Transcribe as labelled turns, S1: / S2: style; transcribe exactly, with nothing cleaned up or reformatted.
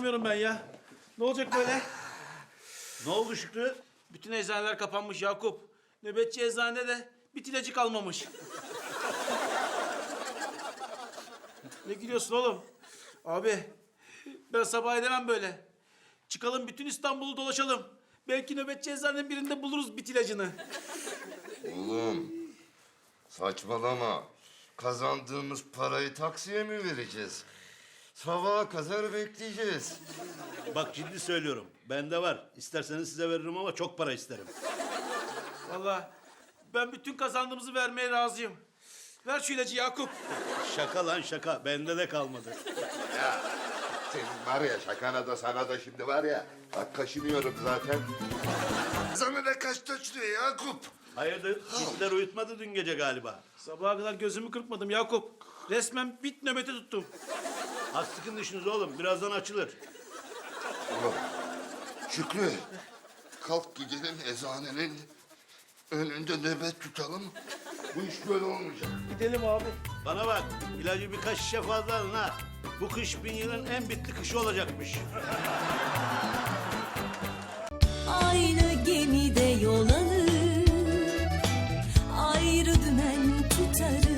S1: dayanamıyorum ben ya. Ne olacak böyle?
S2: Ne oldu Şükrü?
S1: Bütün eczaneler kapanmış Yakup. Nöbetçi eczanede de bir ilacı kalmamış. Ne gülüyorsun oğlum? Abi ben sabah edemem böyle. Çıkalım bütün İstanbul'u dolaşalım. Belki nöbetçi eczanenin birinde buluruz bit ilacını.
S3: Oğlum saçmalama. Kazandığımız parayı taksiye mi vereceğiz? Sabaha kadar bekleyeceğiz.
S2: Bak ciddi söylüyorum. Bende var. İsterseniz size veririm ama çok para isterim.
S1: Vallahi ben bütün kazandığımızı vermeye razıyım. Ver şu ilacı Yakup.
S2: Şaka lan şaka. Bende de kalmadı.
S3: Ya senin var ya şakana da sana da şimdi var ya. Bak kaşınıyorum zaten. Sana da kaç taşlıyor Yakup?
S2: Hayırdır? Hitler uyutmadı dün gece galiba.
S1: Sabaha kadar gözümü kırpmadım Yakup. Resmen bit nöbeti tuttum.
S2: Az sıkın dişiniz oğlum. Birazdan açılır.
S3: Oğlum, Şükrü, kalk gidelim eczanenin önünde nöbet tutalım. Bu iş böyle olmayacak.
S1: Gidelim abi.
S2: Bana bak. İlacı birkaç şişe fazla alın ha. Bu kış bin yılın en bitli kışı olacakmış.
S4: Aynı gemide yol alır, ayrı dümen tutarız.